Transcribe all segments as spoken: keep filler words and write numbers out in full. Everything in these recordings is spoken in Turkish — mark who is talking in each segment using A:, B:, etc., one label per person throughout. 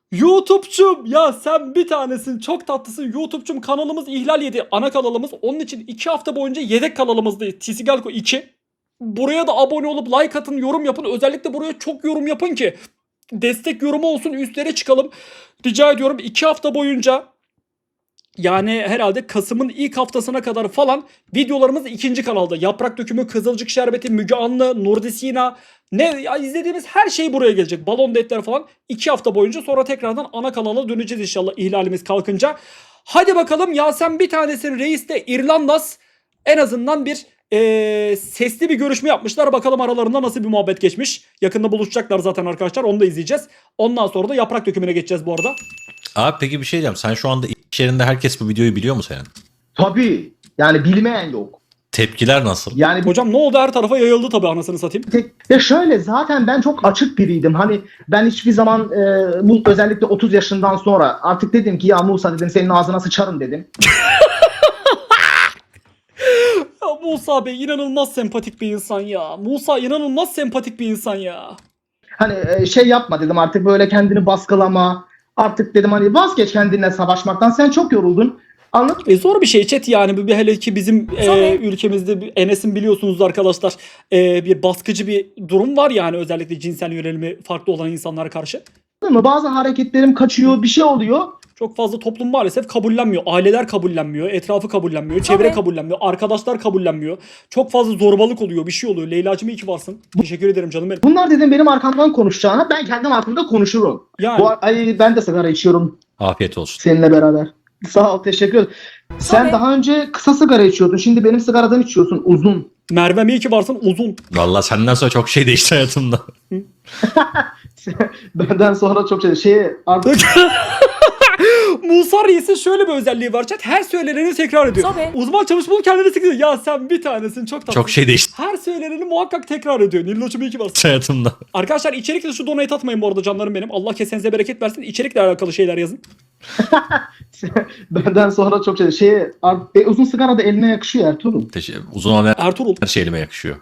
A: YouTube'cum ya sen bir tanesin, çok tatlısın. YouTube'cum kanalımız ihlal yedi. Ana kanalımız. Onun için iki hafta boyunca yedek kanalımızdayız. Tisigalko iki. Buraya da abone olup like atın, yorum yapın. Özellikle buraya çok yorum yapın ki destek yorumu olsun, üstlere çıkalım. Rica ediyorum. iki hafta boyunca, yani herhalde Kasım'ın ilk haftasına kadar falan videolarımız ikinci kanalda. Yaprak Dökümü, Kızılcık Şerbeti, Müge Anlı, Nurdi Sina, ne ya, izlediğimiz her şey buraya gelecek. Balon Detler falan iki hafta boyunca, sonra tekrardan ana kanala döneceğiz inşallah ihlalimiz kalkınca. Hadi bakalım ya, sen bir tanesin reis de İrlandas. En azından bir ee, sesli bir görüşme yapmışlar. Bakalım aralarında nasıl bir muhabbet geçmiş. Yakında buluşacaklar zaten arkadaşlar. Onu da izleyeceğiz. Ondan sonra da Yaprak Dökümü'ne geçeceğiz bu arada.
B: Abi peki bir şey diyeceğim. Sen şu anda iş yerinde herkes bu videoyu biliyor mu senin?
C: Tabii. Yani bilmeyen yok.
B: Tepkiler nasıl?
C: Yani bir
A: Hocam ne oldu, her tarafa yayıldı tabii, anasını satayım.
C: tek ya şöyle, zaten ben çok açık biriydim. Hani ben hiçbir zaman e, bu özellikle otuz yaşından sonra artık dedim ki ya Musa dedim, senin ağzına sıçarım dedim.
A: Ya Musa Bey inanılmaz sempatik bir insan ya. Musa inanılmaz sempatik bir insan ya.
C: Hani e, şey yapma dedim, artık böyle kendini baskılama. Artık dedim hani vazgeç kendinle savaşmaktan. Sen çok yoruldun. Anladın mı?
A: E zor bir şey chat yani. Bir, bir hele ki bizim e,
D: Tabii.
A: ülkemizde bir- Enes'in biliyorsunuz arkadaşlar e, bir baskıcı bir durum var yani, özellikle cinsel yönelimi farklı olan insanlara karşı.
C: Bazı hareketlerim kaçıyor, bir şey oluyor.
A: Çok fazla toplum maalesef kabullenmiyor. Aileler kabullenmiyor, etrafı kabullenmiyor, çevre
D: Tabii.
A: kabullenmiyor, arkadaşlar kabullenmiyor. Çok fazla zorbalık oluyor, bir şey oluyor. Leyla'cığım iyi ki varsın. Teşekkür ederim canım benim.
C: Bunlar dedim benim arkamdan konuşacağına ben kendim hakkında konuşurum.
A: Yani
C: Bu ay ben de sigara içiyorum
B: Afiyet olsun.
C: seninle beraber. Sağ ol, teşekkür ederim. Sen
D: Tabii.
C: daha önce kısa sigara içiyordun. Şimdi benim sigaradan içiyorsun uzun.
A: Merve'm iyi ki varsın, uzun.
B: Vallahi senden sonra çok şey değişti hayatımda.
C: Benden sonra çok şey şey artık
A: Musa Reis'in şöyle bir özelliği var chat. Her söyleneni tekrar ediyor.
D: Tabii.
A: Uzman çalışmalı kendini sıkıyor. Ya sen bir tanesin, çok tatlı.
B: Çok şey değişti
A: Her söyleneni muhakkak tekrar ediyor. Nilloç'um iyi ki varsın.
B: hayatımda.
A: Arkadaşlar içerikle şu donate atmayın bu arada canlarım benim. Allah kesenize bereket versin. İçerikle alakalı şeyler yazın.
C: benden sonra çok şey şey artık e, uzun sigara da eline yakışıyor Ertuğrul.
B: Teşekkür. Uzun olan
A: Ertuğrul.
B: her şey elime yakışıyor.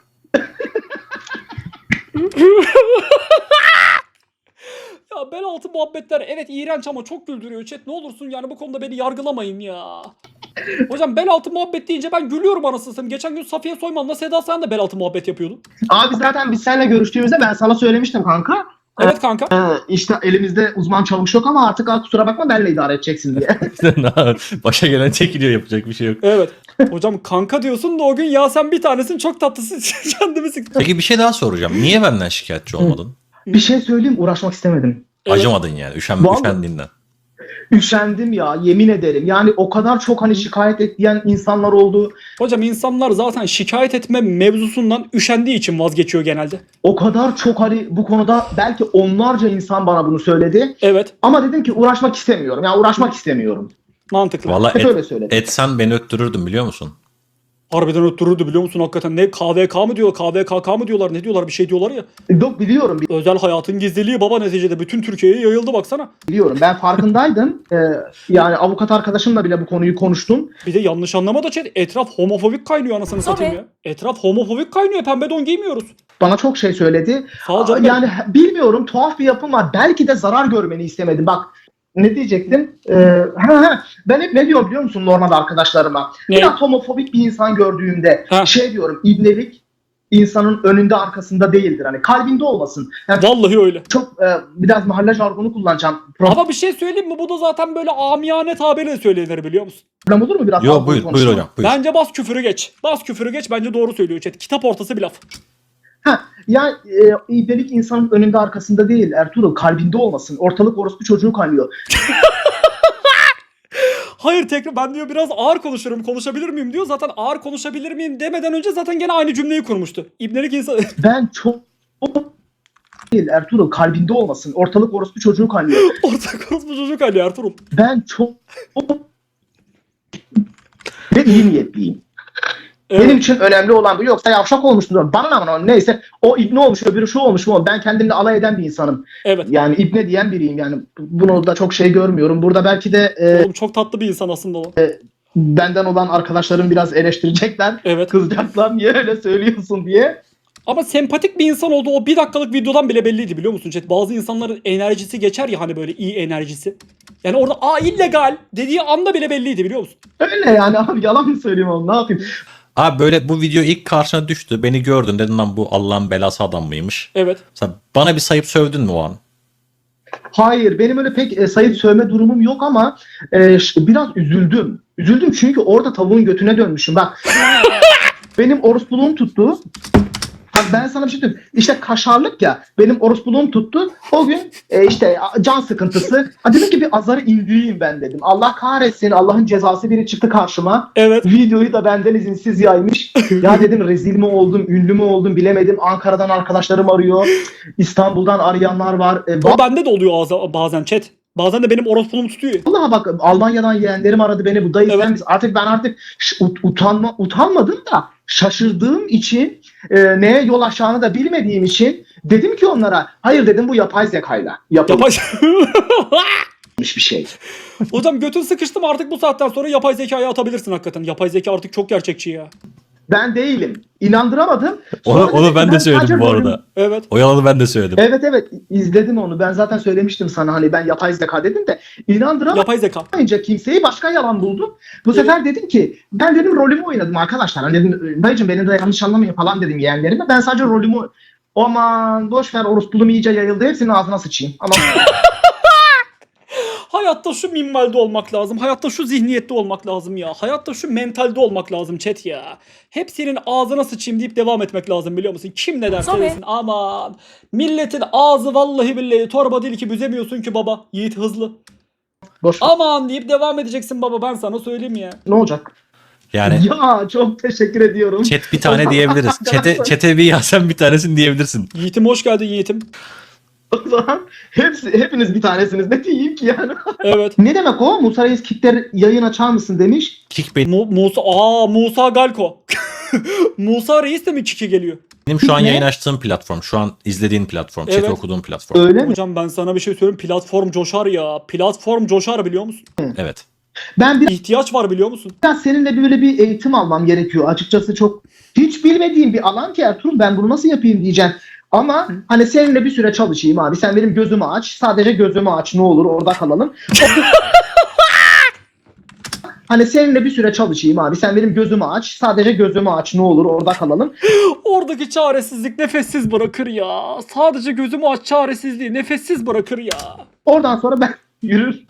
A: Ya bel altı muhabbetler evet iğrenç ama çok güldürüyor chat. Ne olursun yani bu konuda beni yargılamayın ya. Hocam bel altı muhabbet deyince ben gülüyorum anasını satayım. Geçen gün Safiye Soyman'la Seda Sayan da bel altı muhabbet yapıyordu.
C: Abi zaten biz seninle görüştüğümüzde ben sana söylemiştim kanka.
A: Evet kanka.
C: Ee, işte elimizde uzman çavuş yok ama artık al kusura bakma benle idare edeceksin diye.
B: Başa gelen çekiliyor, yapacak bir şey yok.
A: Evet. Hocam kanka diyorsun da o gün ya sen bir tanesin, çok tatlısın. Kendimi sıktım.
B: Peki bir şey daha soracağım. Niye benden şikayetçi olmadın?
C: Bir şey söyleyeyim, uğraşmak istemedim.
A: Evet.
B: Acımadın yani. Üşen,
C: Vallahi.
B: üşendiğinden.
C: Üşendim ya, yemin ederim. Yani o kadar çok hani şikayet ettiğin insanlar oldu.
A: Hocam insanlar zaten şikayet etme mevzusundan üşendiği için vazgeçiyor genelde.
C: O kadar çok hani bu konuda belki onlarca insan bana bunu söyledi.
A: Evet,
C: Ama dedim ki uğraşmak istemiyorum. Ya uğraşmak istemiyorum.
A: mantıklı.
B: Vallahi
C: Hep
B: et,
C: öyle söyledim.
B: etsen beni öttürürdüm biliyor musun?
A: Harbiden öttürürdü biliyor musun hakikaten. Ne K V K mı diyor, K V K K mı diyorlar, ne diyorlar, bir şey diyorlar ya.
C: Yok, biliyorum
A: Özel hayatın gizliliği baba, neticede bütün Türkiye'ye yayıldı baksana.
C: biliyorum. Ben farkındaydım. Ee, yani avukat arkadaşımla bile bu konuyu konuştum.
A: Bir de yanlış anlama da chat, etraf homofobik kaynıyor anasını satayım ya. Etraf homofobik kaynıyor, pembe don giymiyoruz.
C: Bana çok şey söyledi.
A: Sağ ol canım.
C: Yani bilmiyorum, tuhaf bir yapım var. Belki de zarar görmeni istemedim. Bak ne diyecektim? Ee, ha, ha. Ben hep ne diyorum biliyor musun normalde arkadaşlarıma?
A: Ne?
C: Biraz homofobik bir insan gördüğümde
A: Ha.
C: şey diyorum, ibnelik insanın önünde arkasında değildir. Hani kalbinde olmasın. Yani
A: Vallahi öyle.
C: çok e, biraz mahalle jargonu kullanacağım.
A: Ama bir şey söyleyeyim mi? Bu da zaten böyle amiyane tabirle söylenir biliyor musun?
C: Problem olur mu biraz?
B: Yo
C: daha
B: buyur, buyur
C: konuşalım?
B: hocam. Buyur.
A: Bence bas küfürü geç. Bas küfürü geç, bence doğru söylüyor chat. Kitap ortası bir laf.
C: Ha, yani e, ibnelik insanın önünde arkasında değil Ertuğrul, kalbinde olmasın. Ortalık orospu çocuğu kaynıyor.
A: Hayır tekrar ben diyor biraz ağır konuşurum, konuşabilir miyim diyor. Zaten ağır konuşabilir miyim demeden önce zaten gene aynı cümleyi kurmuştu. İbnelik insan...
C: Ben çok değil Ertuğrul, kalbinde olmasın. Ortalık orospu çocuğu kaynıyor.
A: Ortak orospu çocuk Ali Ertuğrul.
C: Ben çok ve iyi niyetliyim.
A: Evet.
C: Benim için önemli olan bu. Yoksa yavşak olmuştur. Bana ne neyse. O ibne olmuş, öbürü şu olmuş mu? Ben kendimle alay eden bir insanım.
A: Evet.
C: Yani ibne diyen biriyim. Yani bunu da çok şey görmüyorum. Burada belki de e,
A: Oğlum çok tatlı bir insan aslında o.
C: benden olan arkadaşlarım biraz eleştirecekler.
A: Evet.
C: Kızacaklar niye öyle söylüyorsun diye.
A: Ama sempatik bir insan olduğu o bir dakikalık videodan bile belliydi biliyor musun chat? Bazı insanların enerjisi geçer ya hani böyle iyi enerjisi. Yani orada aa illegal dediği anda bile belliydi biliyor musun?
C: Öyle yani abi, yalan mı söyleyeyim oğlum, ne yapayım?
B: Abi böyle bu video ilk karşına düştü. Beni gördün dedin lan bu Allah'ın belası adam mıymış?
A: Evet.
B: Mesela bana bir sayıp sövdün mü o an?
C: Hayır, benim öyle pek e, sayıp sövme durumum yok ama e, ş- biraz üzüldüm. Üzüldüm çünkü orada tavuğun götüne dönmüşüm. Bak benim orospuluğum tuttu. Bak ben sana bir şey söyleyeyim. İşte kaşarlık ya, benim orospuluğum tuttu. O gün e, işte can sıkıntısı. Ha, dedim ki bir azarı indireyim ben dedim. Allah kahretsin, Allah'ın cezası biri çıktı karşıma.
A: Evet.
C: Videoyu da benden izinsiz yaymış. Ya dedim rezil mi oldum, ünlü mü oldum bilemedim. Ankara'dan arkadaşlarım arıyor. İstanbul'dan arayanlar var. E,
A: O bende de oluyor ağza- bazen chat. Bazen de benim orospuluğum tutuyor.
C: Vallahi bak Almanya'dan yeğenlerim aradı beni. Bu dayı
A: Evet.
C: sen misin? Artık ben artık ş- ut- utanma utanmadım da şaşırdığım için e, neye yol aşağını da bilmediğim için dedim ki onlara hayır dedim, bu yapay zekayla yapılmış
A: Yapay...
C: bir şey.
A: Hocam götün sıkıştım artık bu saatten sonra yapay zekaya atabilirsin hakikaten. Yapay zeka artık çok gerçekçi ya.
C: Ben değilim. İnandıramadım.
B: Onu,
C: Sonra
B: onu
C: dedim
B: ben
C: ki
B: de söyledim
C: sadece
B: bu
C: rolüm-
B: arada.
A: Evet.
B: O yalanı ben de söyledim.
C: Evet evet izledim onu. Ben zaten söylemiştim sana, hani ben yapay zeka dedim de inandıramayınca
A: Yapay zeka.
C: kimseyi başka yalan buldum. Bu sefer dedim ki ben dedim rolümü oynadım arkadaşlar. Hani dedim dayıcım beni de yanlış anlamayın falan dedim yeğenlerime. Ben sadece rolümü aman boş ver, orospuluğum iyice yayıldı, hepsinin ağzına sıçayım. Ama
A: Hayatta şu minvalde olmak lazım. Hayatta şu zihniyette olmak lazım ya. Hayatta şu mentalde olmak lazım chat ya. Hepsinin ağzına sıçayım deyip devam etmek lazım biliyor musun? Kim ne derse
D: Tabii.
A: desin. Aman. Milletin ağzı vallahi billahi torba değil ki büzemiyorsun ki baba. Yiğit hızlı.
C: boş ver.
A: Aman deyip devam edeceksin baba, ben sana söyleyeyim ya.
C: Ne olacak?
B: Yani
C: Ya çok teşekkür ediyorum.
B: chat bir tane diyebiliriz. Çete, çete bir yazsan bir tanesini diyebilirsin.
A: Yiğitim hoş geldin Yiğitim.
C: O zaman hepsi, hepiniz bir tanesiniz. Ne diyeyim ki yani?
A: Evet.
C: Ne demek o? Musa Reis Kickler yayın açar mısın demiş.
B: Kick benim
A: Mu- Musa aa Musa Galko. Musa Reis de mi kiki geliyor?
B: şu an
C: Ne?
B: yayın açtığım platform. Şu an izlediğin platform.
A: Evet.
B: Chat okuduğum platform.
C: Öyle mi?
A: Hocam ben sana bir şey söyleyeyim. Platform coşar ya. Platform coşar biliyor musun?
B: Evet.
C: Ben biraz
A: İhtiyaç var biliyor musun?
C: seninle böyle bir eğitim almam gerekiyor. Açıkçası çok hiç bilmediğim bir alan ki Ertuğrul, ben bunu nasıl yapayım diyeceğim. Ama hani seninle bir süre çalışayım abi. Sen benim gözümü aç. Sadece gözümü aç, ne olur orada kalalım. Hani seninle bir süre çalışayım abi. Sen benim gözümü aç. Sadece gözümü aç, ne olur orada kalalım.
A: Oradaki çaresizlik nefessiz bırakır ya. Sadece gözümü aç çaresizliği nefessiz bırakır ya.
C: Oradan sonra ben yürür.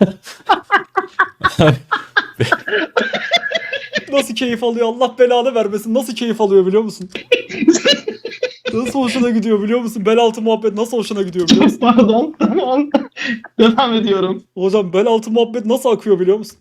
A: Nasıl keyif alıyor Allah belanı vermesin. Nasıl keyif alıyor biliyor musun? Nasıl hoşuna gidiyor biliyor musun? Bel altı muhabbet nasıl hoşuna gidiyor biliyor musun?
C: Pardon. Tamam. Devam ediyorum.
A: Hocam bel altı muhabbet nasıl akıyor biliyor musun?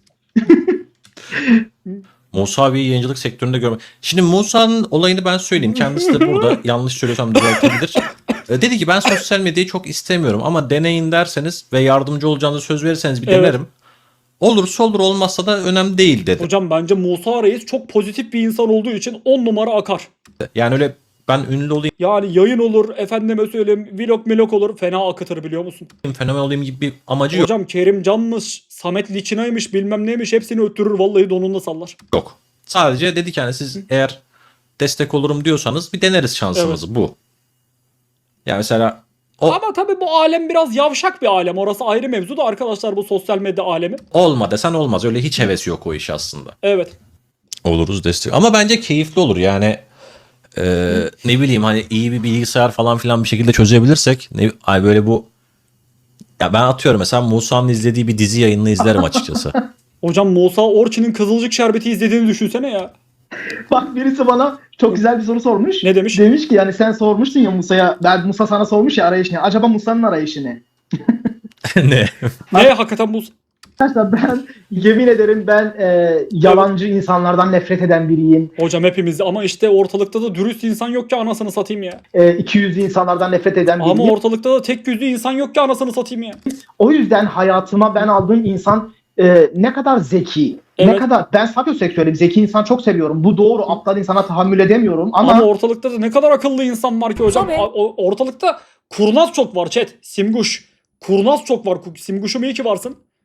B: Musa abiyi yayıncılık sektöründe görmek. Şimdi Musa'nın olayını ben söyleyeyim. Kendisi de burada yanlış söylüyorsam düzeltebilir. E, Dedi ki ben sosyal medyayı çok istemiyorum ama deneyin derseniz ve yardımcı olacağınızı söz verirseniz bir
A: Evet.
B: denerim. Olursa olur, olmazsa da önemli değil dedi.
A: Hocam bence Musa Reis çok pozitif bir insan olduğu için on numara akar.
B: Yani öyle ben ünlü olayım,
A: Yani yayın olur, efendime söyleyeyim vlog milok olur, fena akıtır biliyor musun?
B: fenomen olayım gibi bir amacı yok.
A: Hocam Kerimcan'mış, Samet Liçina'ymış bilmem neymiş hepsini öttürür vallahi donunda sallar.
B: Yok. Sadece dedi ki hani siz eğer destek olurum diyorsanız bir deneriz şansımızı, bu. Yani mesela o
A: Ama tabii bu alem biraz yavşak bir alem. Orası ayrı mevzu da arkadaşlar, bu sosyal medya alemi.
B: olma desen olmaz. Öyle hiç hevesi yok o iş aslında.
A: Evet.
B: Oluruz destek. Ama bence keyifli olur yani. e, ne bileyim hani iyi bir bilgisayar falan filan bir şekilde çözebilirsek. Ne, ay böyle bu. Ya ben atıyorum mesela Musa'nın izlediği bir dizi yayınını izlerim açıkçası.
A: Hocam Musa Orçun'un Kızılcık Şerbeti izlediğini düşünsene ya.
C: Bak birisi bana çok güzel bir soru sormuş.
A: Ne demiş?
C: Demiş ki yani sen sormuştun ya Musa'ya. Ben Musa sana sormuş ya arayış ne? Acaba Musa'nın arayışı ne?
B: Ne?
A: Ne hakikaten Musa?
C: Arkadaşlar ben yemin ederim ben e, yalancı insanlardan nefret eden biriyim.
A: Hocam hepimiz, ama işte ortalıkta da dürüst insan yok ki anasını satayım ya.
C: E, iki yüzlü insanlardan nefret eden biriyim.
A: Ama ortalıkta da tek yüzlü insan yok ki anasını satayım ya.
C: O yüzden hayatıma ben aldığım insan e, ne kadar zeki, ne
A: Evet.
C: kadar ben sapyoseksüelim, zeki insan çok seviyorum. Bu doğru, aptal insana tahammül edemiyorum ama,
A: Ama ortalıkta da ne kadar akıllı insan var ki hocam.
D: Tabii.
A: A- o- Ortalıkta kurnaz çok var chat. Simguş. Kurnaz çok var. Simguş'um iyi ki varsın.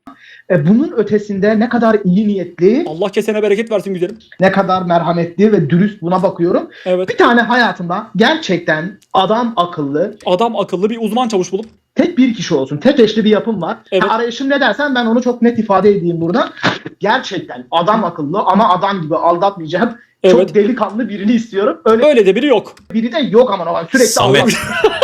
C: E, bunun ötesinde ne kadar iyi niyetli,
A: Allah kesene bereket versin güzelim.
C: ne kadar merhametli ve dürüst buna bakıyorum.
A: Evet.
C: Bir tane hayatımda gerçekten adam akıllı,
A: Adam akıllı bir uzman çavuş bulup.
C: tek bir kişi olsun, tek eşli bir yapım var.
A: Evet.
C: Ha, arayışım ne dersen ben onu çok net ifade edeyim burada. Gerçekten adam akıllı ama adam gibi aldatmayacağım.
A: Evet.
C: Çok delikanlı birini istiyorum. Öyle
A: Öyle de biri yok.
C: biri de yok aman aman sürekli
B: Samet.
C: aldat-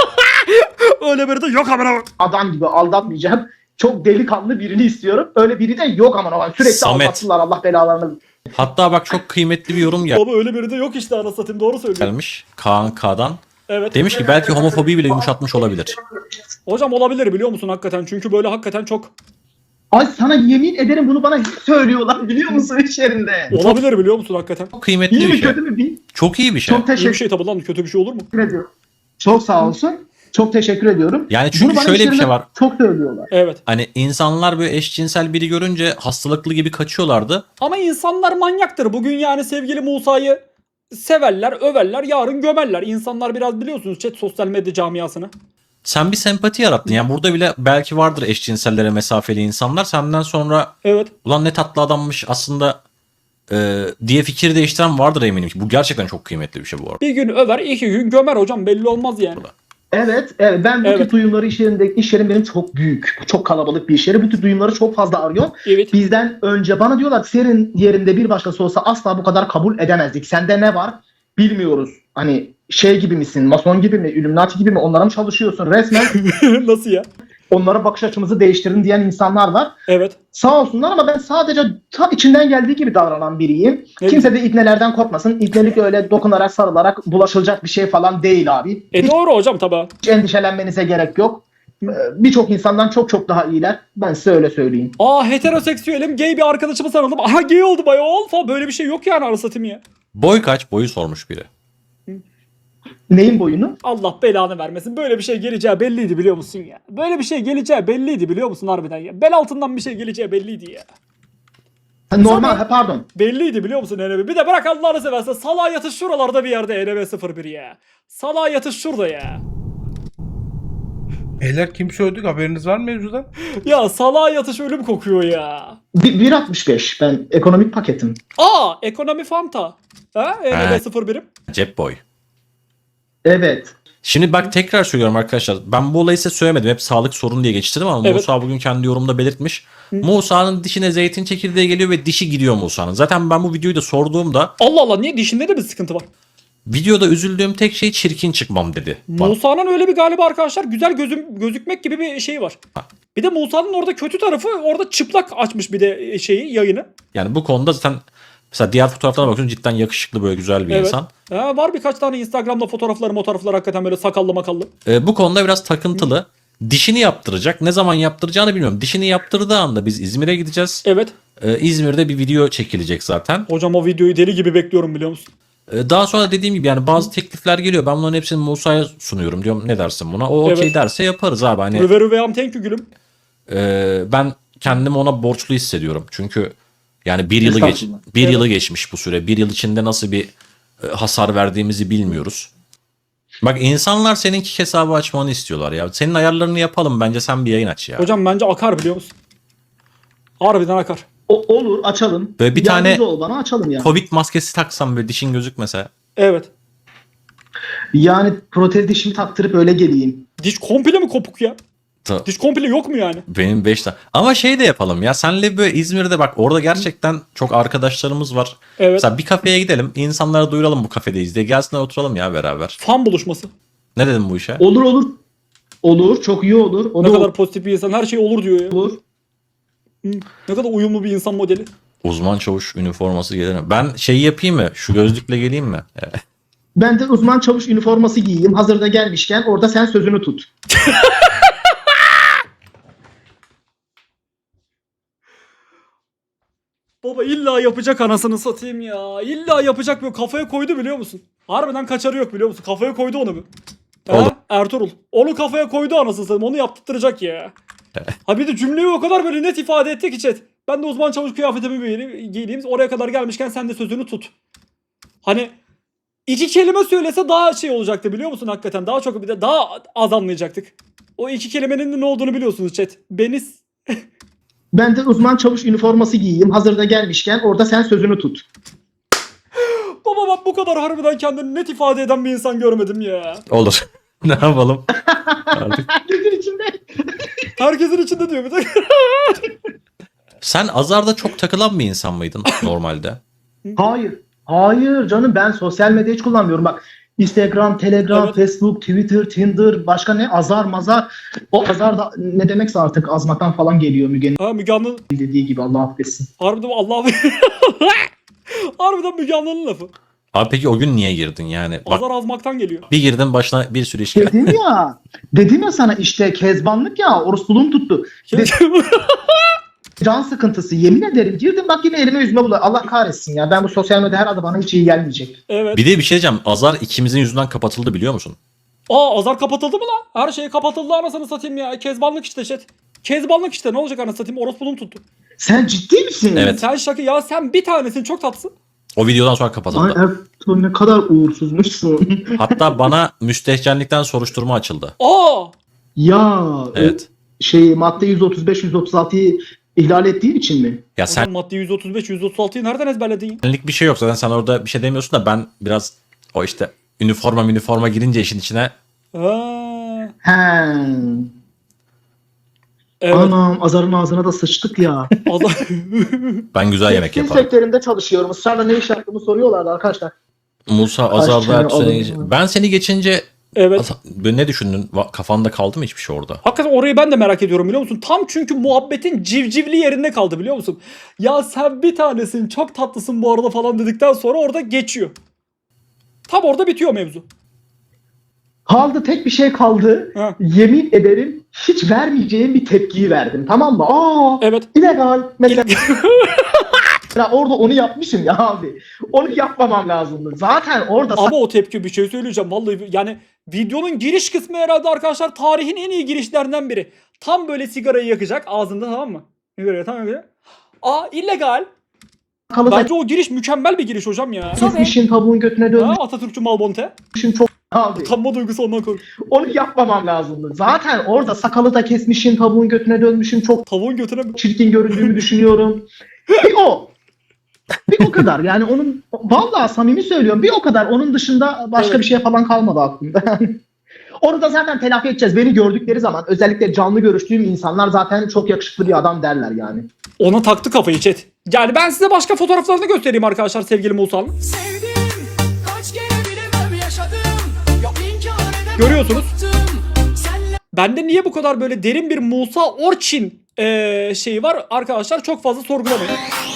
A: Öyle biri de yok amına.
C: adam gibi aldatmayacağım. Çok delikanlı birini istiyorum. Öyle biri de yok aman aman sürekli
B: Samet.
C: aldattılar Allah belalarını.
B: Hatta bak çok kıymetli bir yorum
A: Baba öyle biri de yok işte anasını satayım, doğru söylüyor.
B: gelmiş Kaan K'dan.
A: Evet.
B: Demiş ki belki homofobiyi bile yumuşatmış olabilir.
A: Hocam olabilir biliyor musun hakikaten? Çünkü böyle hakikaten çok
C: Ay sana yemin ederim bunu bana hep söylüyorlar biliyor musun iş yerinde.
A: olabilir biliyor musun hakikaten?
B: Çok kıymetli
C: İyi
B: bir
C: mi
B: şey.
C: kötü mü bil.
B: Çok iyi bir şey.
C: Çok
A: İyi bir
C: teşekkür
A: şey tabii lan, kötü bir şey olur mu?
C: ediyorum. Çok sağ olsun. Çok teşekkür ediyorum.
B: Yani çünkü
C: Bunu bana
B: şöyle
C: iş
B: bir şey
C: yerinde
B: var.
C: Çok söylüyorlar.
A: Evet.
B: Hani insanlar böyle eşcinsel biri görünce hastalıklı gibi kaçıyorlardı.
A: Ama insanlar manyaktır. Bugün yani sevgili Musa'yı severler, överler, yarın gömerler. İnsanlar biraz biliyorsunuz chat sosyal medya camiasını.
B: Sen bir sempati yarattın. Yani burada bile belki vardır eşcinsellere mesafeli insanlar. Senden sonra
A: Evet.
B: ulan ne tatlı adammış aslında e, diye fikir değiştiren vardır eminim ki. Bu gerçekten çok kıymetli bir şey bu arada.
A: Bir gün över, iki gün gömer hocam, belli olmaz yani.
C: Evet, evet. Ben bu
A: Evet.
C: tip duyumları iş yerinde, iş yerim benim çok büyük. Çok kalabalık bir iş yeri. Bu tip duyumları çok fazla arıyorum.
A: Evet.
C: Bizden önce bana diyorlar ki senin yerinde bir başkası olsa asla bu kadar kabul edemezdik. Sende ne var? Bilmiyoruz. Hani şey gibi misin? Mason gibi mi? Illuminati gibi mi? Onlara mı çalışıyorsun? Resmen
A: Nasıl ya?
C: onlara bakış açımızı değiştirin diyen insanlar var.
A: Evet.
C: Sağ olsunlar ama ben sadece ta içinden geldiği gibi davranan biriyim.
A: Evet.
C: Kimse de ibnelerden korkmasın. İbnelik öyle dokunarak sarılarak bulaşılacak bir şey falan değil abi.
A: E doğru hocam tabi.
C: Hiç endişelenmenize gerek yok. Ee, Birçok insandan çok çok daha iyiler. Ben size öyle söyleyeyim.
A: Aa heteroseksüelim, gay bir arkadaşımı sarıldım. Aha gay oldu bayol falan, böyle bir şey yok yani anasını satayım ya.
B: Boy kaç? Boyu sormuş biri.
C: Neyin boyunu?
A: Allah belanı vermesin. Böyle bir şey geleceği belliydi biliyor musun ya? Böyle bir şey geleceği belliydi biliyor musun harbiden ya? Bel altından bir şey geleceği belliydi ya.
C: Ha, normal, ha, pardon.
A: Belliydi biliyor musun N B? Bir de bırak Allah'ını seversen, salağa yatış şuralarda bir yerde N B sıfır bir ya. Salağa yatış şurada ya.
D: Beyler kim söyledik haberiniz var mı mevzudan?
A: Ya salağa yatış ölüm kokuyor ya.
C: Bir- bir altmış beş ben ekonomik paketim.
A: Aa ekonomi fanta. Ha N B
B: Evet.
A: sıfır birim.
B: Cep boy.
C: Evet.
B: Şimdi bak tekrar söylüyorum arkadaşlar. Ben bu olayı size söylemedim. Hep sağlık sorunu diye geçiştirdim ama
A: Evet.
B: Musa bugün kendi yorumunda belirtmiş. Musa'nın dişine zeytin çekirdeği geliyor ve dişi gidiyor Musa'nın. Zaten ben bu videoyu da sorduğumda
A: Allah Allah, niye dişinde de bir sıkıntı var?
B: videoda üzüldüğüm tek şey çirkin çıkmam dedi. Bana.
A: Musa'nın öyle bir galiba arkadaşlar güzel gözüm, gözükmek gibi bir şey var. Bir de Musa'nın orada kötü tarafı, orada çıplak açmış bir de şeyi, yayını.
B: Yani bu konuda zaten mesela diğer fotoğraflara bakıyorsun cidden yakışıklı böyle güzel bir
A: Evet.
B: insan.
A: Ha, var birkaç tane Instagram'da fotoğrafları fotoğrafları hakikaten böyle sakallı makallı.
B: Ee, bu konuda biraz takıntılı. Dişini yaptıracak. Ne zaman yaptıracağını bilmiyorum. Dişini yaptırdığı anda biz İzmir'e gideceğiz.
A: Evet.
B: Ee, İzmir'de bir video çekilecek zaten.
A: Hocam o videoyu deli gibi bekliyorum biliyor musun?
B: Ee, daha sonra dediğim gibi yani bazı teklifler geliyor. Ben bunların hepsini Musa'ya sunuyorum. Diyorum ne dersin buna? O okey
A: Evet.
B: derse yaparız abi. Hani
A: Rüve rüveyam thank you gülüm.
B: e, ben kendimi ona borçlu hissediyorum. Çünkü yani bir yılı geç,
C: Estağfurullah.
B: bir
A: Evet.
B: yılı geçmiş bu süre. Bir yıl içinde nasıl bir e, hasar verdiğimizi bilmiyoruz. Bak insanlar seninki hesabı açmanı istiyorlar ya. Senin ayarlarını yapalım bence, sen bir yayın aç ya.
A: Hocam bence akar biliyor musun? Harbiden akar.
C: O, olur açalım.
B: Böyle bir
C: Yardımcı
B: tane-
C: ol bana açalım ya.
B: Covid maskesi taksam böyle dişin gözükmese.
A: Evet.
C: Yani protez dişimi taktırıp öyle geleyim.
A: Diş komple mi kopuk ya?
B: Ta-
A: Diş komple yok mu yani?
B: Benim beş tane. Ama şey de yapalım ya. Senle böyle İzmir'de bak orada gerçekten çok arkadaşlarımız var.
A: Evet.
B: Mesela bir kafeye gidelim. İnsanlara duyuralım bu kafedeyiz diye. Gelsinler oturalım ya beraber.
A: Fan buluşması.
B: Ne dedim bu işe?
C: Olur olur. Olur. Çok iyi olur. O
A: Ne
C: da
A: kadar pozitif bir insan, her şey olur diyor ya.
C: olur.
A: Hı, ne kadar uyumlu bir insan modeli.
B: Uzman çavuş üniforması gelir mi? Ben şeyi yapayım mı? Şu gözlükle geleyim mi? Evet.
C: Ben de uzman çavuş üniforması giyeyim. Hazırda gelmişken orada sen sözünü tut.
A: Baba illa yapacak anasını satayım ya. İlla yapacak, böyle kafaya koydu biliyor musun? Harbiden kaçarı yok biliyor musun? Kafaya koydu onu bir.
B: Oğlum.
A: Ha? Ertuğrul. Onu kafaya koydu anasını satayım. Onu yaptırtacak ya. Ha bir de cümleyi o kadar böyle net ifade etti ki chat. Ben de uzman çavuş kıyafetimi giyeyim, giyeyim. Oraya kadar gelmişken sen de sözünü tut. Hani iki kelime söylese daha şey olacaktı biliyor musun hakikaten? Daha çok bir de daha az anlayacaktık. O iki kelimenin de ne olduğunu biliyorsunuz chat. Beni
C: Ben de uzman çavuş üniforması giyeyim. Hazırda gelmişken orada sen sözünü tut.
A: Baba bak bu kadar harbiden kendini net ifade eden bir insan görmedim ya.
B: Olur. Ne yapalım? Artık.
C: Gözün içinde.
A: Herkesin içinde diyor bir de.
B: Sen Azar'da çok takılan bir insan mıydın normalde?
C: Hayır. Hayır canım, ben sosyal medya hiç kullanmıyorum. Bak Instagram, Telegram,
A: Evet.
C: Facebook, Twitter, Tinder, başka ne? Azar mazar. O azar da ne demekse artık azmaktan falan geliyor Müge'nin
A: Ha Müge Anlı
C: dediği gibi, Allah affetsin.
A: harbiden Allah harbiden Müge Anlı'nın lafı.
B: Abi peki o gün niye girdin yani? Bak
A: Azar azmaktan geliyor.
B: bir girdin başına bir sürü iş geldi.
C: Dedim ya, dedim ya sana işte kezbanlık ya, orospuluğum tuttu. De- Can sıkıntısı, yemin ederim girdim bak yine elime yüzüme buluyor. Allah kahretsin ya, ben bu sosyal medya her adı bana hiç iyi gelmeyecek.
A: Evet.
B: Bir de bir şey diyeceğim. Azar ikimizin yüzünden kapatıldı biliyor musun?
A: Aa Azar kapatıldı mı lan? Her şey kapatıldı anasını satayım ya. Kezbanlık işte chat. Kezbanlık işte ne olacak anasını satayım, orospuluğum tuttu.
C: Sen ciddi misin?
B: Evet.
A: Sen şaka ya, sen bir tanesin çok tatlısın.
B: O videodan sonra
C: Ay
B: kapatıldı.
C: Ertuğrul ne kadar uğursuzmuşsun.
B: Hatta bana müstehcenlikten soruşturma açıldı.
A: Aa
C: Ya
B: Evet.
C: şey madde yüz otuz beş yüz otuz altıyı ihlal ettiğin için mi?
B: Ya
A: sen
B: sen
A: madde yüz otuz beş yüz otuz altıyı nereden ezberledin ya?
B: senlik bir şey yok zaten, sen orada bir şey demiyorsun da ben biraz o işte üniforma üniforma girince işin içine
A: Ha.
C: He.
A: Evet.
C: Anam Azar'ın ağzına da sıçtık ya.
A: Azar.
B: ben güzel yemek
C: Tekstil
B: yaparım.
C: sektöründe çalışıyorum. Israrla ne iş yaptığımı soruyorlardı arkadaşlar.
B: Musa
C: Kaç
B: Azar'da
C: tane
B: Ertuğ seni...
C: alın-
B: Ben seni geçince
A: Evet.
B: Az- ne düşündün? Va- Kafanda kaldı mı hiçbir şey orada?
A: Hakikaten orayı ben de merak ediyorum biliyor musun? Tam çünkü muhabbetin civcivli yerinde kaldı biliyor musun? Ya sen bir tanesin çok tatlısın bu arada falan dedikten sonra orada geçiyor. Tam orada bitiyor mevzu.
C: Kaldı, tek bir şey kaldı.
A: Ha.
C: Yemin ederim hiç vermeyeceğim bir tepkiyi verdim. Tamam mı? Aa,
A: Evet.
C: illegal. Mesela Ya orada onu yapmışım ya abi. Onu yapmamam lazımdı. Zaten orada
A: Ama o tepki, bir şey söyleyeceğim vallahi, yani videonun giriş kısmı herhalde arkadaşlar tarihin en iyi girişlerinden biri. Tam böyle sigarayı yakacak ağzında, tamam mı? Sigarayı tam yakacak. Aa illegal.
C: sakalı da
A: Bence o giriş mükemmel bir giriş hocam ya.
C: kesmişim, tavuğun götüne
A: Ha,
C: dönmüşüm
A: Atatürkçü Malbonte.
C: çok abi.
A: Utanma duygusu ondan kork.
C: Onu yapmamam lazımdı. Zaten orada sakalı da kesmişim, tavuğun götüne dönmüşüm. Çok
A: Tavuğun götüne
C: çirkin göründüğümü düşünüyorum. Bir o. Bir o kadar. Yani onun vallahi samimi söylüyorum. Bir o kadar. Onun dışında başka
A: Evet.
C: bir şey falan kalmadı aklımda. Onu da zaten telafi edeceğiz. Beni gördükleri zaman özellikle canlı görüştüğüm insanlar zaten çok yakışıklı bir adam derler yani.
A: ona taktı kafayı chat. Yani ben size başka fotoğraflarını göstereyim arkadaşlar sevgili Musa'nın.
E: Sevdim, kaç kere bilemem yaşadım. Yok inkar edemem,
A: Görüyorsunuz.
E: bıktım. Senle
A: Bende niye bu kadar böyle derin bir Musa Orçin eee şeyi var arkadaşlar, çok fazla sorgulamayın.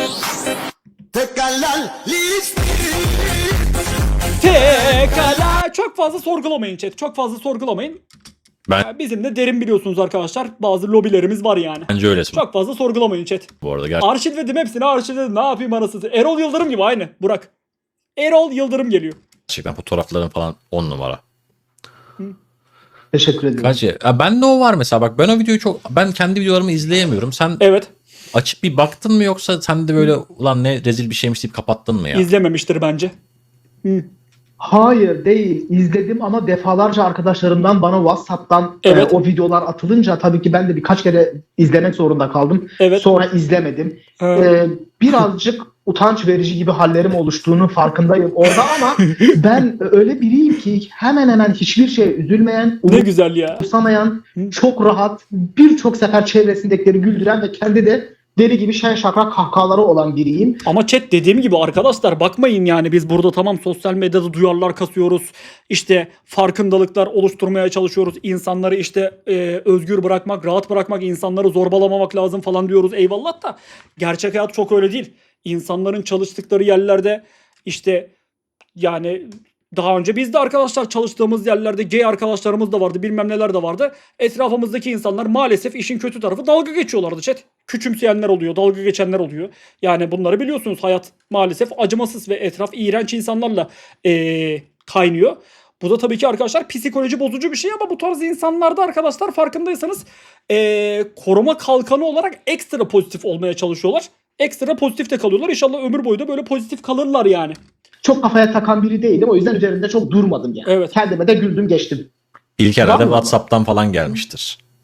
A: Tekala çok fazla sorgulamayın chat. Çok fazla sorgulamayın.
B: Ben
A: Ya bizim de derin biliyorsunuz arkadaşlar. Bazı lobilerimiz var yani.
B: bence öylesin
A: Çok fazla sorgulamayın chat.
B: bu arada. Gerçekten.
A: Arşivledim hepsini, arşivledim. Ne yapayım anasını? Erol Yıldırım gibi aynı. Burak. Erol Yıldırım geliyor.
B: Gerçekten fotoğrafların falan on numara.
C: Teşekkür ederim.
B: Kaç ya? Ben de o var mesela, bak ben o videoyu çok, ben kendi videolarımı izleyemiyorum. Sen
A: Evet.
B: açıp bir baktın mı, yoksa sen de böyle ulan ne rezil bir şeymiş deyip kapattın mı ya?
A: İzlememiştir bence. Hı.
C: Hayır değil. İzledim ama defalarca arkadaşlarımdan bana WhatsApp'tan
A: Evet.
C: e, o videolar atılınca tabii ki ben de birkaç kere izlemek zorunda kaldım.
A: Evet.
C: Sonra izlemedim.
A: Ha.
C: Ee, birazcık utanç verici gibi hallerim oluştuğunu farkındayım orada ama ben öyle biriyim ki hemen hemen hiçbir şeye üzülmeyen,
A: Ne güzel ya.
C: umursamayan, çok rahat, birçok sefer çevresindekileri güldüren ve kendi de deli gibi şen şakrak kahkahaları olan biriyim.
A: Ama chat dediğim gibi arkadaşlar bakmayın yani biz burada tamam sosyal medyada duyarlar kasıyoruz. İşte farkındalıklar oluşturmaya çalışıyoruz. İnsanları işte e, özgür bırakmak, rahat bırakmak, insanları zorbalamamak lazım falan diyoruz. Eyvallah da gerçek hayat çok öyle değil. İnsanların çalıştıkları yerlerde işte yani daha önce biz de arkadaşlar çalıştığımız yerlerde gay arkadaşlarımız da vardı, bilmem neler de vardı. Etrafımızdaki insanlar maalesef işin kötü tarafı dalga geçiyorlardı chat. Küçümseyenler oluyor, dalga geçenler oluyor. Yani bunları biliyorsunuz, hayat maalesef acımasız ve etraf iğrenç insanlarla eee, kaynıyor. Bu da tabii ki arkadaşlar psikoloji bozucu bir şey ama bu tarz insanlarda arkadaşlar farkındaysanız eee, koruma kalkanı olarak ekstra pozitif olmaya çalışıyorlar. Ekstra pozitif de kalıyorlar. İnşallah ömür boyu da böyle pozitif kalırlar yani.
C: Çok kafaya takan biri değilim. O yüzden üzerinde çok durmadım yani.
A: Evet.
C: Kendime de güldüm geçtim.
B: İlk
C: Var
B: herhalde
C: mı?
B: WhatsApp'tan falan gelmiştir.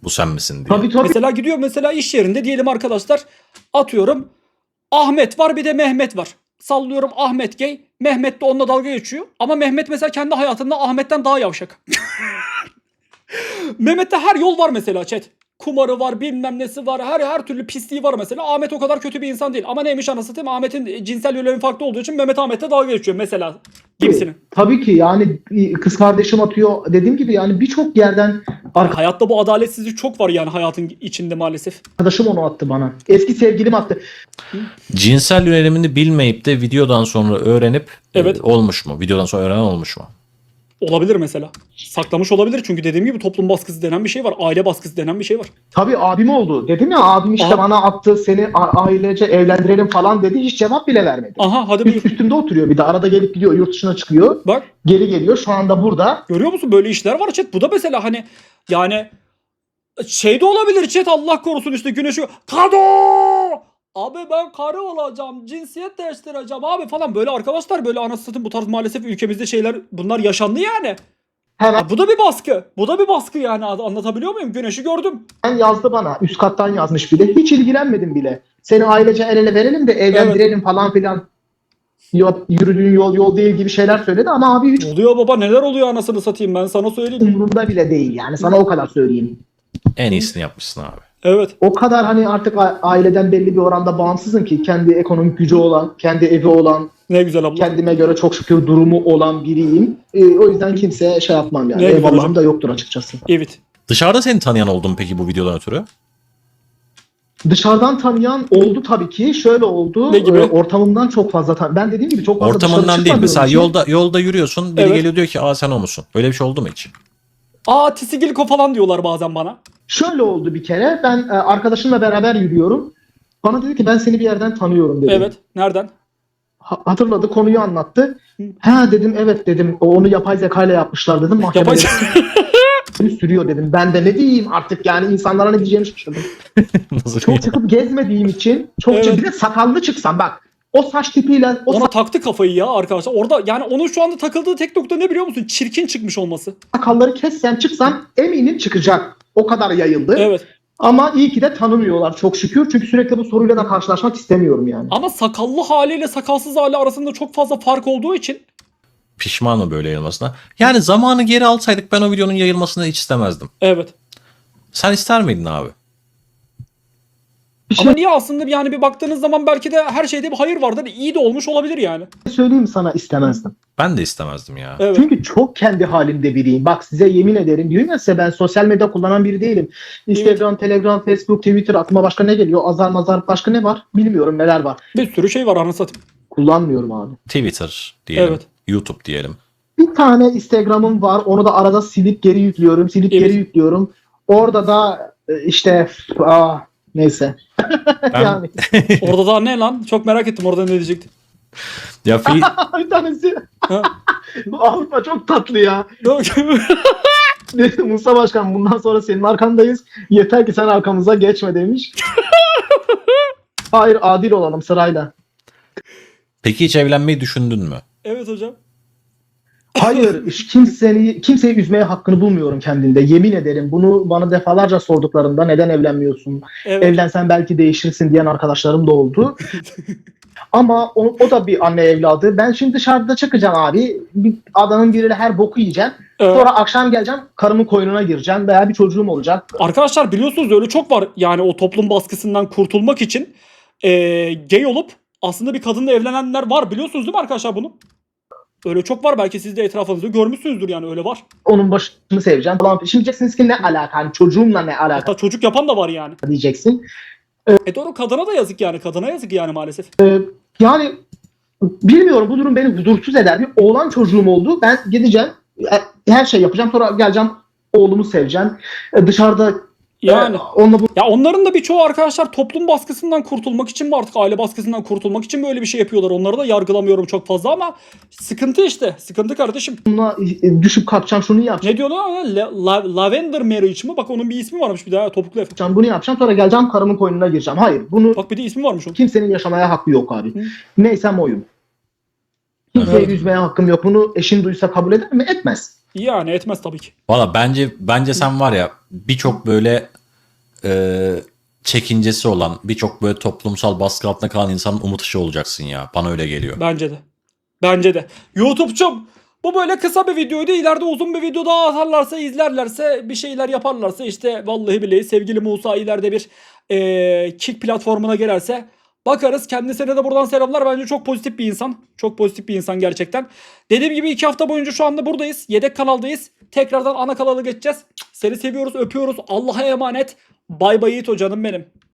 B: bu sen misin diye.
C: Tabii tabii.
A: Mesela gidiyor mesela iş yerinde diyelim arkadaşlar, atıyorum Ahmet var bir de Mehmet var. Sallıyorum Ahmet gay, Mehmet de onunla dalga geçiyor. Ama Mehmet mesela kendi hayatında Ahmet'ten daha yavşak. Mehmet'te her yol var mesela chat. Kumarı var, bilmem nesi var, her her türlü pisliği var mesela. Ahmet o kadar kötü bir insan değil. Ama neymiş anasını satayım, Ahmet'in cinsel yönelimi farklı olduğu için Mehmet Ahmet'le dalga geçiyor mesela gibisinin.
C: Tabii ki yani kız kardeşim atıyor dediğim gibi yani birçok yerden
A: Hayatta bu adaletsizlik çok var yani hayatın içinde maalesef.
C: arkadaşım onu attı bana. Eski sevgilim attı.
B: Cinsel yönelimini bilmeyip de videodan sonra öğrenip
A: Evet.
B: e, olmuş mu? Videodan sonra öğrenen olmuş mu?
A: Olabilir mesela. Saklamış olabilir çünkü dediğim gibi toplum baskısı denen bir şey var. Aile baskısı denen bir şey var.
C: Tabii abim oldu. Dedim ya abim işte
A: Aha.
C: bana attı seni a- ailece evlendirelim falan dedi. Hiç cevap bile vermedi.
A: Aha hadi buyur.
C: Üst üstümde oturuyor bir de arada gelip gidiyor yurt dışına çıkıyor.
A: Bak
C: Geri geliyor şu anda burada.
A: görüyor musun böyle işler var chat. Bu da mesela hani yani şey de olabilir chat, Allah korusun işte güneşi. Kado! Abi ben karı olacağım, cinsiyet değiştireceğim abi falan, böyle arkadaşlar, böyle anasını satayım bu tarz maalesef ülkemizde şeyler bunlar yaşandı yani.
C: Hemen
A: Ha, bu da bir baskı. Bu da bir baskı yani, anlatabiliyor muyum? Güneşi gördüm.
C: yazdı bana. Üst kattan yazmış bile. Hiç ilgilenmedim bile. Seni ailece el ele verelim de evlendirelim falan filan. Yok, yürüdüğün yol yol değil gibi şeyler söyledi ama abi hiç
A: Ne oluyor baba, neler oluyor anasını satayım, ben sana söyleyeyim.
C: umurumda bile değil yani. Sana o kadar söyleyeyim.
B: En iyisini yapmışsın abi.
A: Evet.
C: O kadar hani artık a- aileden belli bir oranda bağımsızım ki kendi ekonomik gücü olan, kendi evi olan,
A: Ne güzel abla.
C: kendime göre çok şükür durumu olan biriyim. Ee, o yüzden kimseye şey yapmam yani.
A: Ne güzel
C: Eyvallahım
A: hocam.
C: da yoktur açıkçası.
A: Evet.
B: Dışarıda seni tanıyan oldu mu peki bu videodan ötürü?
C: Dışarıdan tanıyan oldu tabii ki. Şöyle oldu.
A: Ne gibi?
C: e, ortamımdan çok fazla tan- Ben dediğim gibi çok fazla dışarı
B: Ortamından değil.
C: çıkmadığım
B: Mesela
C: için-
B: yolda yolda yürüyorsun. Biri
A: Evet.
B: geliyor diyor ki aa sen o musun? Öyle bir şey oldu mu hiç?
A: Aa tisigilko falan diyorlar bazen bana.
C: Şöyle oldu bir kere. Ben e, arkadaşımla beraber yürüyorum. Bana dedi ki ben seni bir yerden tanıyorum dedi.
A: Evet. Nereden?
C: Ha- hatırladı, konuyu anlattı. Ha dedim, evet dedim. O onu yapay zeka ile yapmışlar dedim. Mahkemede
A: Yapay
C: sürüyor dedim. Ben de ne diyeyim artık yani insanlara ne diyeceğimi şaşırdım.
B: Nasıl
C: Çok çıkıp gezmediğim için çok
A: Evet.
C: çıkıp bir de sakallı çıksam bak. O saç tipiyle o
A: Ona taktı kafayı ya arkadaşlar. Orada yani onun şu anda takıldığı tek nokta ne biliyor musun? Çirkin çıkmış olması.
C: sakalları kessem çıksam eminim çıkacak. O kadar yayıldı.
A: Evet.
C: Ama iyi ki de tanımıyorlar çok şükür. Çünkü sürekli bu soruyla da karşılaşmak istemiyorum yani.
A: Ama sakallı haliyle sakalsız hali arasında çok fazla fark olduğu için
B: Pişman mı böyle yayılmasına? Yani zamanı geri alsaydık ben o videonun yayılmasını hiç istemezdim.
A: evet.
B: Sen ister miydin abi?
C: Bir
A: Ama
C: şey
A: niye aslında yani bir baktığınız zaman belki de her şeyde bir hayır vardır. İyi de olmuş olabilir yani.
C: söyleyeyim sana, istemezdim.
B: Ben de istemezdim ya.
A: Evet.
C: Çünkü çok kendi halimde biriyim. Bak size yemin ederim, diyorum ya size, ben sosyal medya kullanan biri değilim. Instagram, Telegram, Facebook, Twitter, aklıma başka ne geliyor? Azar mazar başka ne var? Bilmiyorum neler var.
A: Bir sürü şey var anasını satayım.
C: Kullanmıyorum abi.
B: Twitter diyelim.
A: Evet.
B: YouTube diyelim.
C: Bir tane Instagram'ım var. Onu da arada silip geri yüklüyorum. Silip
A: Evet.
C: geri yüklüyorum. Orada da e, işte aa, neyse.
B: Ben-
C: yani
A: Orada daha ne lan? Çok merak ettim orada ne diyecektin.
B: Ya fi-
C: bir tanesi
A: Ha?
C: Avrupa çok tatlı ya.
A: Yok.
C: Dedi, Musa Başkan bundan sonra senin arkandayız. Yeter ki sen arkamıza geçme demiş. Hayır, adil olalım sırayla.
B: Peki hiç evlenmeyi düşündün mü?
A: Evet hocam.
C: Hayır, hiç kimseyi, kimseyi üzmeye hakkını bulmuyorum kendimde. Yemin ederim, bunu bana defalarca sorduklarında neden evlenmiyorsun?
A: Evet.
C: Evlensen belki değişirsin diyen arkadaşlarım da oldu. Ama o, o da bir anne evladı. Ben şimdi dışarıda çıkacağım abi. Bir adanın biriyle her boku yiyeceğim.
A: Evet.
C: Sonra akşam geleceğim, karımın koynuna gireceğim veya bir çocuğum olacak.
A: Arkadaşlar biliyorsunuz öyle çok var. Yani o toplum baskısından kurtulmak için eee gay olup aslında bir kadınla evlenenler var. Biliyorsunuz değil mi arkadaşlar bunu? Öyle çok var. Belki siz de etrafınızda görmüşsünüzdür yani, öyle var.
C: Onun başını seveceğim falan. Şimdi diyeceksiniz ki ne alaka? Hani çocuğumla ne alaka
A: Hatta çocuk yapan da var yani.
C: diyeceksin.
A: E doğru, kadına da yazık yani. Kadına yazık yani maalesef.
C: Yani bilmiyorum, bu durum beni huzursuz eder. Bir oğlan çocuğum oldu. Ben gideceğim. e, Her şey yapacağım. Sonra geleceğim. Oğlumu seveceğim. E, Dışarıda
A: Yani.
C: e, onunla bu
A: Ya onların da birçoğu arkadaşlar toplum baskısından kurtulmak için mi, artık aile baskısından kurtulmak için böyle bir şey yapıyorlar. Onları da yargılamıyorum çok fazla ama sıkıntı işte. Sıkıntı kardeşim.
C: bununla e, düşüp kalkacağım, şunu yapacağım,
A: Ne diyorlar? La- la- Lavender marriage mi? Bak onun bir ismi varmış bir daha, topuklu efe.
C: bunu yapacağım. Sonra geleceğim, karımın koynuna gireceğim. Hayır, bunu
A: Bak bir de ismi varmış onun.
C: kimsenin yaşamaya hakkı yok abi.
A: Hı.
C: Neysem oyum. Kimseyi
A: Evet.
C: üzmeye hakkım yok. Bunu eşin duysa kabul eder mi? Etmez.
A: Yani etmez tabii ki.
B: Valla bence bence sen var ya birçok böyle e, çekincesi olan, birçok böyle toplumsal baskı altında kalan insanın umut ışığı olacaksın ya. Bana öyle geliyor.
A: Bence de. Bence de. YouTube'cum bu böyle kısa bir videoydu. İleride uzun bir video daha atarlarsa, izlerlerse, bir şeyler yaparlarsa işte vallahi billahi sevgili Musa ileride bir eee Kick platformuna girerse bakarız. Kendisine de buradan selamlar. Bence çok pozitif bir insan. Çok pozitif bir insan gerçekten. Dediğim gibi iki hafta boyunca şu anda buradayız. Yedek kanaldayız. Tekrardan ana kanala geçeceğiz. Seni seviyoruz, öpüyoruz. Allah'a emanet. Bay bay Yiğit canım benim.